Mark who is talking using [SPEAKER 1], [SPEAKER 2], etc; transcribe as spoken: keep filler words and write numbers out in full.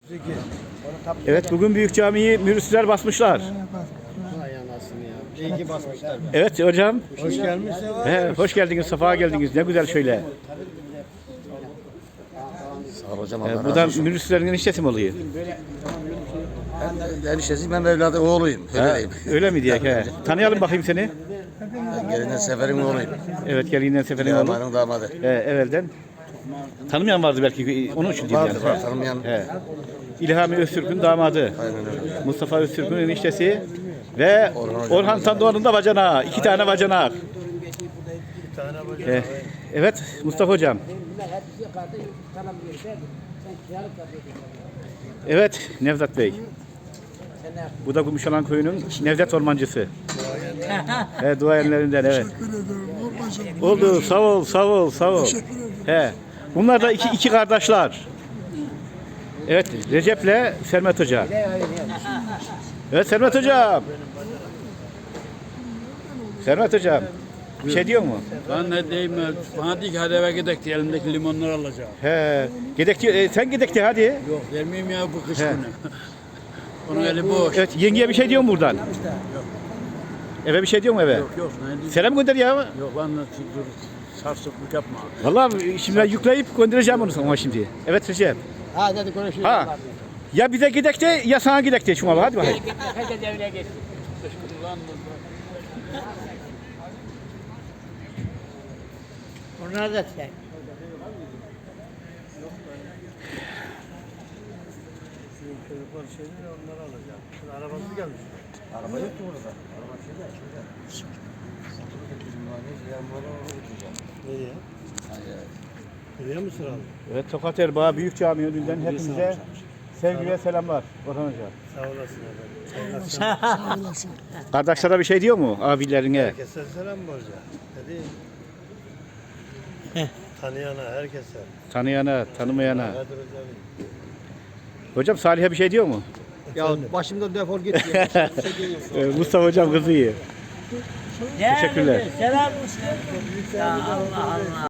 [SPEAKER 1] Evet, bugün Büyük Camii'yi mürüsler basmışlar.
[SPEAKER 2] Vay anasını ya. İyi ki basmışlar.
[SPEAKER 1] Evet hocam.
[SPEAKER 2] Hoş gelmişsin.
[SPEAKER 1] He, hoş geldiniz, safa geldiniz. Ne güzel şöyle.
[SPEAKER 3] Sağ ol hocam.
[SPEAKER 1] He,
[SPEAKER 3] Allah
[SPEAKER 1] bu
[SPEAKER 3] razı
[SPEAKER 1] da
[SPEAKER 3] olsun.
[SPEAKER 1] mürüslerin eniştesi mi oluyor?
[SPEAKER 3] Ben de eniştesiyim, ben de evladı oğluyum. Öyle
[SPEAKER 1] Ha,
[SPEAKER 3] diyeyim.
[SPEAKER 1] öyle mi diye? He. Tanıyalım bakayım seni.
[SPEAKER 3] Ben gelinden seferin oğluyum.
[SPEAKER 1] Evet, gelinden seferin oğlu.
[SPEAKER 3] Yamanın damadı.
[SPEAKER 1] He, evvelden. Tanımayan vardı belki, onun için diyeyim
[SPEAKER 3] Vardır
[SPEAKER 1] yani.
[SPEAKER 3] var tanımayan.
[SPEAKER 1] He. İlhami Öztürk'ün damadı.
[SPEAKER 3] Aynen öyle.
[SPEAKER 1] Mustafa Öztürk'ün eniştesi ve
[SPEAKER 3] Orhan
[SPEAKER 1] Orhan Tandoğan'ın da bacanağı. İki tane bacanağı. Ee, evet Mustafa hocam. Evet Nevzat Bey. Bu da Gümüşalan Köyü'nün Nevzat Ormancısı. He, duayenlerinden evet. Oldu, sağ ol, sağ ol, sağ ol. He. Bunlar da iki, iki kardeşler. Evet, Recep'le Sermet Hoca. Evet Sermet Hocam. Sermet Hocam. Bir şey diyor mu?
[SPEAKER 4] Ben ne diyeyim, bana diyor ki hadi eve gidelim diye elimdeki limonları alacağım.
[SPEAKER 1] He. Gidek diyor, e, sen gidek de hadi.
[SPEAKER 4] Yok vermeyeyim ya bu kış
[SPEAKER 1] He.
[SPEAKER 4] günü. Onun eli boş.
[SPEAKER 1] Evet, yengeye bir şey diyor mu buradan? Eve bir şey diyor mu eve?
[SPEAKER 4] Yok yok ne diyeyim.
[SPEAKER 1] Selam gönder ya.
[SPEAKER 4] Yok ben de dur sarsıklık yapma.
[SPEAKER 1] Vallahi şimdi ben yükleyip göndereceğim onu sana şimdi. Evet Recep.
[SPEAKER 2] Hadi hadi konuşuyoruz.
[SPEAKER 1] Ha. Ya bize gidek de ya sana gidek de şuna bak hadi bakayım.
[SPEAKER 2] Herkes evine geçsin. Onlar da sen. Çocuklar şeyleri onları alacağım. Şimdi arabası gelmiş.
[SPEAKER 3] Araba yok ki burada. Araba şeyde.
[SPEAKER 2] Nereye? Nereye mi sıralı?
[SPEAKER 1] Evet Tokat Erbaa Büyük Cami önünden hepinize sevgi ve selamlar Orhan Hoca.
[SPEAKER 2] Sağ olasın efendim. Sağ olasın.
[SPEAKER 1] Kardeşlere bir şey diyor mu abilerine?
[SPEAKER 2] Herkese selam borca. Dedi. Tanıyana herkese.
[SPEAKER 1] Tanıyana, tanımayana.
[SPEAKER 2] Kadir hocam.
[SPEAKER 1] Hocam Salih'e bir şey diyor mu?
[SPEAKER 2] Ya başımdan defol git ya.
[SPEAKER 1] Ee, Mustafa Hocam kızı iyi. Teşekkürler.
[SPEAKER 5] Selam olsun. Ya Allah Allah.